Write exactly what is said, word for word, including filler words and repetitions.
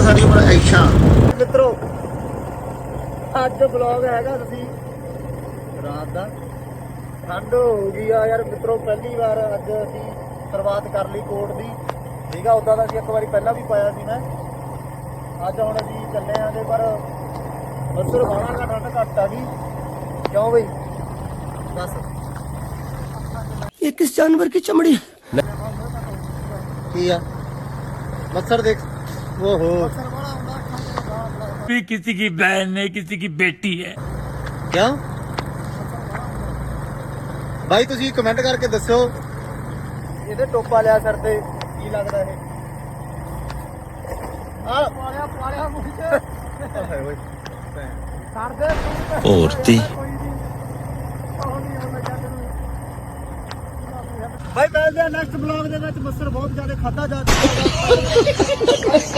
ਸਾਰੀ ਉਮਰ ਐਸ਼ਾ। ਮਿੱਤਰੋ ਅੱਜ ਵਲੌਗ ਹੈਗਾ ਤੁਸੀਂ ਰਾਤ ਦਾ। ਠੰਡ ਹੋ ਗਈ ਆ ਯਾਰ ਮਿੱਤਰੋ, ਪਹਿਲੀ ਵਾਰ ਅੱਜ ਅਸੀਂ ਸ਼ੁਰੂਆਤ ਕਰ ਲਈ ਕੋਟ ਦੀ। ਠੀਕ ਆ, ਉੱਦਾਂ ਦਾ ਅਸੀਂ ਇੱਕ ਵਾਰੀ ਪਹਿਲਾਂ ਵੀ ਪਾਇਆ ਸੀ ਮੈਂ। ਅੱਜ ਹੁਣ ਅਸੀਂ ਚੱਲੇ ਆਂ ਤੇ ਪਰ ਮੱਸਰ ਬਾਹਲਾ ਗਾ, ਠੰਡ ਘੱਟ ਆ ਗਈ। ਕਿਉਂ ਬਈ ਦੱਸ? ਇਹ ਕਿਸ ਜਾਨਵਰ की चमड़ी ਕੀ ਆ ਮੱਸਰ ਦੇਖ। ਓਹੋ भी किसी की बहन है, किसी की बेटी है। ਕਿਉਂ ਬਾਈ ਤੁਸੀਂ ਕਮੈਂਟ ਕਰਕੇ ਦੱਸਿਓ ਇਹਦੇ ਟੋਪਾ ਲਿਆ ਸਿਰ ਤੇ ਕੀ ਲੱਗਦਾ ਇਹ? ਆ ਪਾਲਿਆ ਪਾਲਿਆ ਮੁੱਖ ਹਾਏ ਓਏ ਕਰਦੇ औरती ਬਾਈ ਮਿਲਦੇ ਆ ਨੈਕਸਟ ਬਲੌਗ ਦੇ ਵਿੱਚ। ਮੱਸਰ ਬਹੁਤ ਜ਼ਿਆਦਾ ਖਾਦਾ ਜਾ ਚੁੱਕਾ